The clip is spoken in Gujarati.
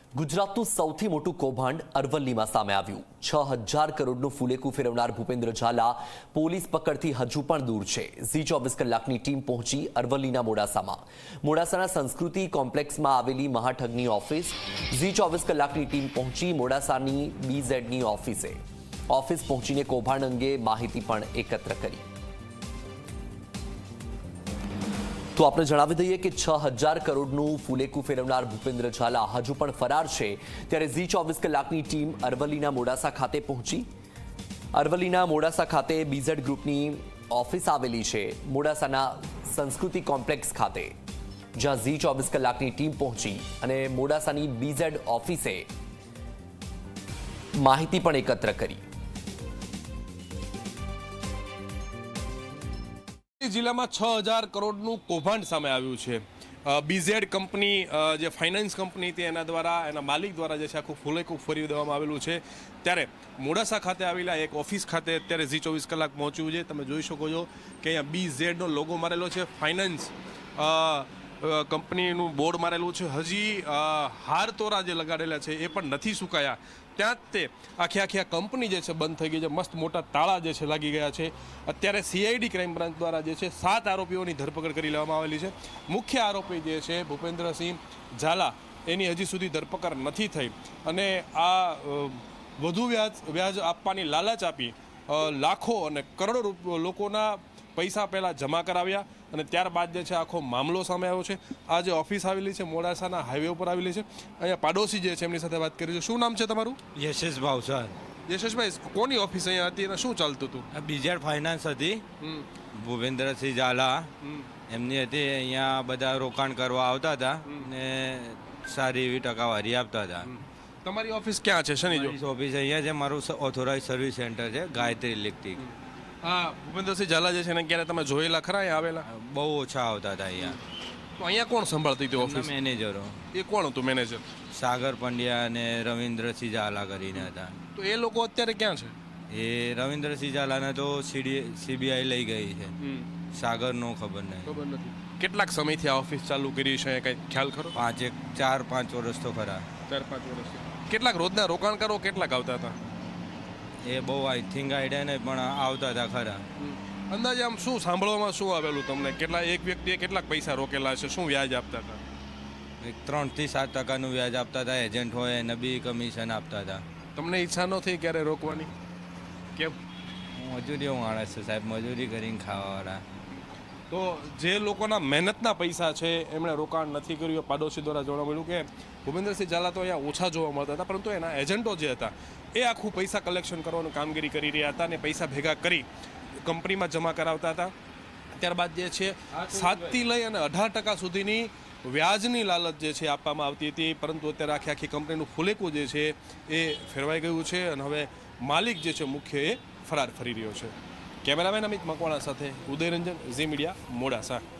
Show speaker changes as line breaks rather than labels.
ગુજરાતનું સૌથી મોટું કૌભાંડ અરવલ્લીમાં સામે આવ્યું। 6000 કરોડનું ફૂલેકું ફેરવનાર ભૂપેન્દ્ર ઝાલા પોલીસ પકડથી હજુ પણ દૂર છે। ઝી 24 કલાકની ટીમ પહોંચી અરવલ્લીના મોડાસાના સંસ્કૃતિ કોમ્પ્લેક્સમાં આવેલી મહાઠગની ઓફિસ। ઝી 24 કલાકની ટીમ પહોંચી મોડાસાની બીઝેડની ઓફિસ પહોંચીને કૌભાંડ અંગે માહિતી પણ એકત્ર કરી। તો આપણે જણાવી દઈએ કે 6000 કરોડનું ફૂલેકું ફેરવનાર ભૂપેન્દ્ર ઝાલા હજુ પણ ફરાર છે। ત્યારે ઝી 24 કલાકની ટીમ અરવલ્લીના મોડાસા ખાતે પહોંચી। અરવલ્લીના મોડાસા ખાતે બીઝેડ ગ્રુપની ઓફિસ આવેલી છે, મોડાસાના સંસ્કૃતિ કોમ્પ્લેક્સ ખાતે, જ્યાં ઝી 24 કલાકની ટીમ પહોંચી અને મોડાસાની બીઝેડ ઓફિસે માહિતી પણ એકત્ર કરી।
જિલ્લામાં 6000 કરોડનું કૌભાંડ સામે આવ્યું છે। બીઝેડ કંપની જે ફાઇનાન્સ કંપની હતી એના દ્વારા એના માલિક દ્વારા જે છે આખું ફૂલેકું ફેરવી દેવામાં આવેલું છે। ત્યારે મોડાસા ખાતે આવેલા એક ઓફિસ ખાતે અત્યારે ઝી 24 કલાક પહોંચ્યું છે। તમે જોઈ શકો છો કે અહીંયા બીઝેડનો લોગો મારેલો છે, ફાઇનાન્સ કંપનીનું બોર્ડ મારેલું છે। હજી હાર તોરા જે લગાડેલા છે એ પણ નથી સુકાયા, ત્યાં જ તે આખી કંપની જે છે બંધ થઈ ગઈ છે। મસ્ત મોટા તાળા જે છે લાગી ગયા છે। અત્યારે સીઆઈડી ક્રાઇમ બ્રાન્ચ દ્વારા જે છે 7 આરોપીઓની ધરપકડ કરી લેવામાં આવેલી છે। મુખ્ય આરોપી જે છે ભૂપેન્દ્રસિંહ ઝાલા, એની હજી સુધી ધરપકડ નથી થઈ અને આ વધુ વ્યાજ આપવાની લાલચ આપી લાખો અને કરોડો લોકોના પૈસા પહેલાં જમા કરાવ્યા અને ત્યારબાદ જે છે આખો મામલો સામે આવ્યો છે। આ જે ઓફિસ આવેલી છે મોડાસાના હાઈવે ઉપર આવેલી છે। અહીંયા પાડોશી જે છે એમની સાથે વાત કરી છે। શું નામ છે તમારું?
યશેશ ભાવસાર।
યશેશભાઈ, કોની ઓફિસ અહીંયા હતી અને શું ચાલતું હતું?
બીઝેડ ફાઇનાન્સ હતી, ભૂપેન્દ્રસિંહ ઝાલા એમની હતી। અહીંયા બધા રોકાણ કરવા આવતા હતા ને સારી એવી ટકાવારી આપતા હતા।
તમારી ઓફિસ ક્યાં છે? શનિ
ઓફિસ અહીંયા છે, મારું ઓથોરાઇઝ સર્વિસ સેન્ટર છે, ગાયત્રી ઇલેક્ટ્રિક।
હા, ભૂપેન્દ્રસિંહ ઝાલા જે છે ને ક્યારે તમે જોયેલા ખરા અહીંયા આવેલા?
બહુ ઓછા આવતા હતા અહીંયા।
તો અહીંયા કોણ સંભાળતી હતી ઓફિસ?
મેનેજરો।
એ કોણ હતું મેનેજર?
સાગર પંડ્યા અને રવિન્દ્રસિંહ ઝાલા કરીને હતા।
તો એ લોકો અત્યારે ક્યાં છે?
એ રવિન્દ્રસિંહ ઝાલાને તો સીબીઆઈ લઈ ગઈ છે, સાગરનો ખબર
નથી। કેટલાક સમયથી આ ઓફિસ ચાલુ કરી છે, કઈ ખ્યાલ ખરો?
4-5 વર્ષ તો ખરા।
4-5 વર્ષ। કેટલાક રોજના રોકાણકારો કેટલાક આવતા હતા?
એ બહુ આઈ થિંક આઈડિયા નહીં, પણ આવતા હતા ખરા।
અંદાજે આમ શું સાંભળવામાં શું આવેલું તમને? એક વ્યક્તિએ કેટલાક પૈસા રોકેલા છે? શું વ્યાજ આપતા હતા?
3 થી 7% વ્યાજ આપતા હતા। એજન્ટ હોય એને બી કમિશન આપતા હતા।
તમને ઈચ્છા ન થઈ ક્યારે રોકવાની? કેમ?
મજૂરી માણસ છે સાહેબ, મજૂરી કરીને ખાવાવાળા।
તો જે લોકોના મહેનતના પૈસા છે એમણે રોકાણ નથી કર્યું। પાડોશી દ્વારા જોવા મળ્યું કે ભૂપેન્દ્રસિંહ ઝાલા તો અહીંયા ઓછા જોવા મળતા હતા, પરંતુ એના એજન્ટો જે હતા એ આખું પૈસા કલેક્શન કરવાનું કામગીરી કરી રહ્યા હતા અને પૈસા ભેગા કરી કંપનીમાં જમા કરાવતા હતા। ત્યારબાદ જે છે 7 થી લઈ અને 18% સુધીની વ્યાજની લાલચ જે છે આપવામાં આવતી હતી, પરંતુ અત્યારે આખી કંપનીનું ફૂલેકું જે છે એ ફેરવાઈ ગયું છે અને હવે માલિક જે છે મુખ્ય એ ફરાર ફરી રહ્યો છે। કેમેરામેન અમિત મકવાણા સાથે ઉદયરંજન, ઝી મીડિયા, મોડાસા।